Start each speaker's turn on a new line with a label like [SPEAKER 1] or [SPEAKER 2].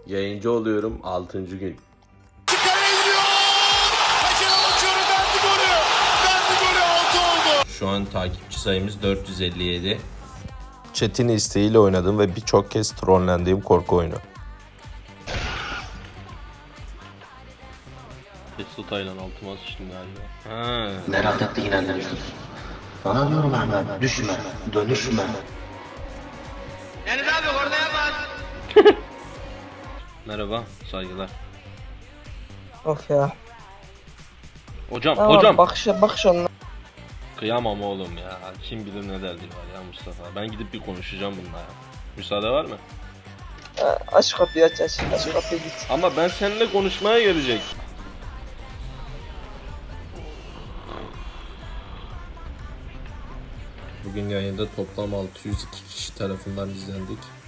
[SPEAKER 1] Yayıncı oluyorum 6. gün. Şu an takipçi sayımız 457. Chat'in isteğiyle oynadım ve birçok kez trollendiğim korku oyunu.
[SPEAKER 2] Taylan altıma sıçtım galiba.
[SPEAKER 3] Merak ettiğin inanıyorsun. Bana diyorum Ahmet, düşme, dönüşme.
[SPEAKER 4] Deniz abi orada yapmaz.
[SPEAKER 2] Merhaba, saygılar.
[SPEAKER 5] Of ya.
[SPEAKER 2] Hocam,
[SPEAKER 5] Tamam,
[SPEAKER 2] hocam.
[SPEAKER 5] bakış onunla.
[SPEAKER 2] Kıyamam oğlum ya. Kim bilir ne derdi var ya Mustafa. Ben gidip bir konuşacağım bununla ya. Müsaade var mı?
[SPEAKER 5] Aç kapıyı aç. Aç kapıyı git.
[SPEAKER 2] Ama ben seninle konuşmaya gelecek.
[SPEAKER 1] Bugün yayında toplam 602 kişi tarafından izlendik.